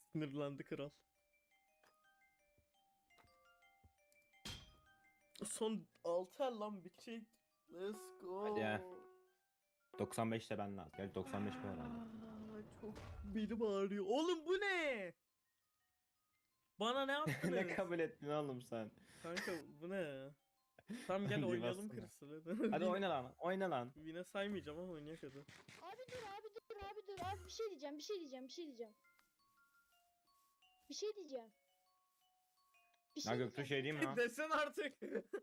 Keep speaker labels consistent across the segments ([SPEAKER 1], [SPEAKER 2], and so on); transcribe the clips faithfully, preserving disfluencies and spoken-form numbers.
[SPEAKER 1] Sinirlendi kral. Son altı el lan bitecek. Let's go.
[SPEAKER 2] Hadi ya. doksan beşte ben lazım. Gerçi doksan beş bu herhalde.
[SPEAKER 1] Aa, çok belim ağrıyor. Oğlum bu ne? Bana ne yaptınız?
[SPEAKER 2] Ne kabul ettin oğlum sen?
[SPEAKER 1] Kanka bu ne? Tamam gel
[SPEAKER 2] Bir
[SPEAKER 1] oynayalım
[SPEAKER 2] bassana.
[SPEAKER 1] Crystal hadi.
[SPEAKER 2] Hadi oyna lan. Oyna lan.
[SPEAKER 1] Yine saymayacağım ama oynayak hadi.
[SPEAKER 3] Abi dur abi dur abi dur abi bir şey diyeceğim bir şey diyeceğim bir şey diyeceğim. Bir şey diyeceğim. Bir
[SPEAKER 2] Ya Göktuğ şey diyeyim mi lan?
[SPEAKER 1] Desen artık.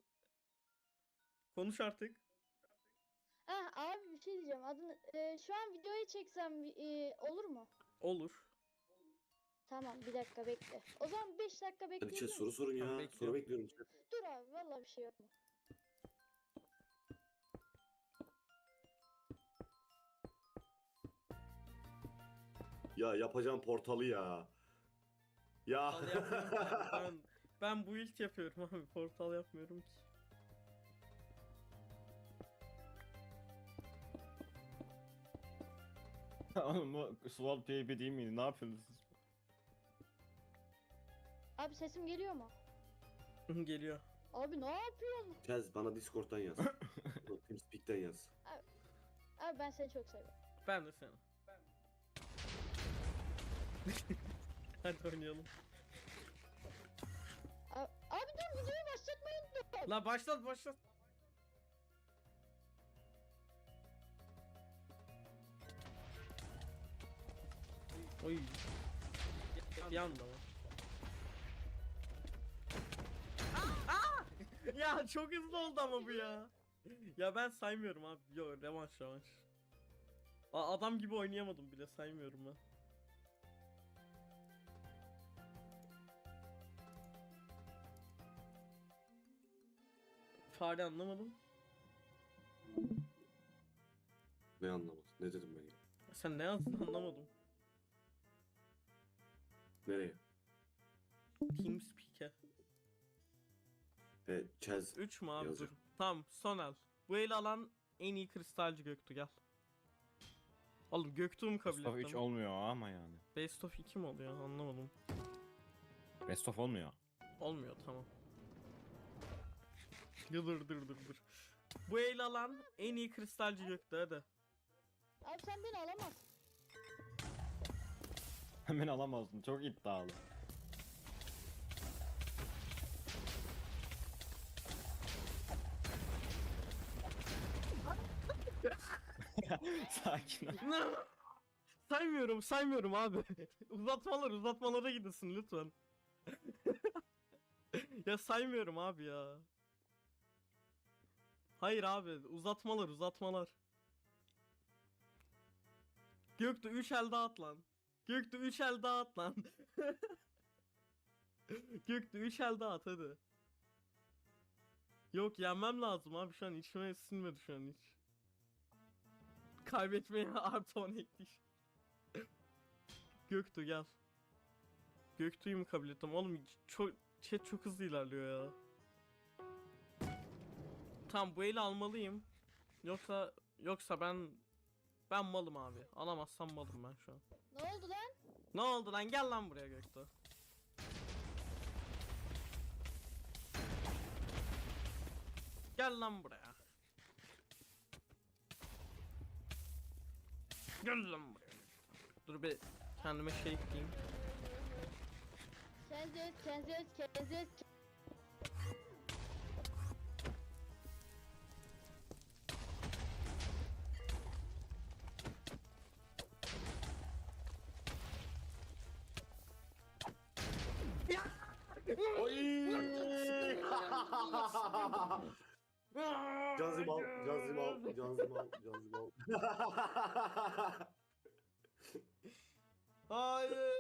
[SPEAKER 1] Konuş artık.
[SPEAKER 3] Ha abi bir şey diyeceğim. Adını e, şu an videoyu çeksem e, olur mu?
[SPEAKER 1] Olur.
[SPEAKER 3] Tamam bir dakika bekle. O zaman beş dakika
[SPEAKER 4] Hadi
[SPEAKER 3] bekleyebilir
[SPEAKER 4] chat
[SPEAKER 3] misin?
[SPEAKER 4] soru sorun
[SPEAKER 1] Tamam,
[SPEAKER 4] ya.
[SPEAKER 1] bekliyorum.
[SPEAKER 4] Soru bekliyorum chat.
[SPEAKER 3] Dur abi vallahi bir şey yok mu?
[SPEAKER 4] Ya yapacağım portalı ya. Ya.
[SPEAKER 1] Al yapmıyorum. ben, ben bu ilk yapıyorum abi. Portal yapmıyorum ki.
[SPEAKER 2] Oğlum bu Sword P B değil miydi? Ne yapıyorsunuz siz?
[SPEAKER 3] Abi sesim geliyor mu?
[SPEAKER 1] Geliyor.
[SPEAKER 3] Abi ne yapıyorsun?
[SPEAKER 4] Chat bana Discord'dan yaz. TeamSpeak'ten yaz.
[SPEAKER 3] Abi ben seni çok seviyorum.
[SPEAKER 1] Ben de seni. Hadi oynayalım.
[SPEAKER 3] Abi, abi dur videoyu başlatmayı unuttum.
[SPEAKER 1] La başlat başlat. Oy. Bir anda mı? Aa! Ya çok hızlı oldu ama bu ya. Ya ben saymıyorum abi. Yo revanş revanş. A- adam gibi oynayamadım bile saymıyorum ben. Fare anlamadım.
[SPEAKER 4] Ne anlamadın? Ne dedim ben ya?
[SPEAKER 1] Sen ne yazdın anlamadım.
[SPEAKER 4] Nereye?
[SPEAKER 1] TeamSpeak'e.
[SPEAKER 4] E, Chaz.
[SPEAKER 1] üç mü abi
[SPEAKER 4] Yazıyor.
[SPEAKER 1] dur. Tamam son el. Bu eli alan en iyi kristalci Göktuğ gel. Oğlum Göktuğ mu kabul
[SPEAKER 2] Mustafa üç
[SPEAKER 1] ettim?
[SPEAKER 2] olmuyor ama yani.
[SPEAKER 1] Best of iki mi oluyor anlamadım.
[SPEAKER 2] Best of olmuyor.
[SPEAKER 1] Olmuyor tamam. Ya dur dur dur dur. Bu eli alan en iyi kristalci Göktuğ hadi.
[SPEAKER 3] Abi sen beni alamazsın.
[SPEAKER 2] Hemen alamazdın. Çok iddialı. Sakin ol.
[SPEAKER 1] Saymıyorum saymıyorum abi. Uzatmalar uzatmalara gidesin lütfen. Ya saymıyorum abi ya. Hayır abi uzatmalar uzatmalar. Göktuğ üç el daha at lan. Göktuğ üç el daha at lan. Göktuğ üç el daha at hadi. Yok yenmem lazım abi şu an içime sinmedi şu an hiç. Kaybetmeye artı on ekleş. Göktuğ gel. Göktuğ'u mu kabul ettim? Oğlum çok chat çok hızlı ilerliyor ya. Tamam bu eli almalıyım. Yoksa yoksa ben ben malım abi. Alamazsam malım ben şu an.
[SPEAKER 3] Ne oldu lan?
[SPEAKER 1] Ne oldu lan? Gel lan buraya Göktuğ. Gel lan buraya. Gel lan buraya. Dur bir kendime şey ekleyeyim.
[SPEAKER 3] Kendi öz kendi öz kendi öz.
[SPEAKER 4] Cazım al, cazım al, cazım al, cazım al.
[SPEAKER 1] Hayır.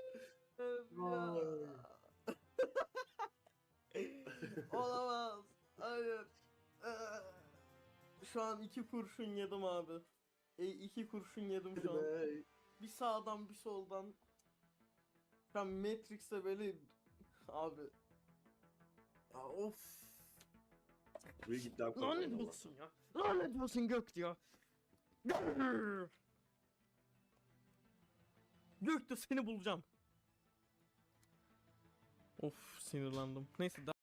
[SPEAKER 1] Olamaz. Hayır. Şu an iki kurşun yedim abi. E, iki kurşun yedim şu an. Bir sağdan bir soldan. Şu an Matrix'te böyle abi. Ya of.
[SPEAKER 4] Buraya git lan.
[SPEAKER 1] Lanet olsun ya. Lanet olsun Göktuğ ya. Göktuğ seni bulacağım. Of sinirlendim. Neyse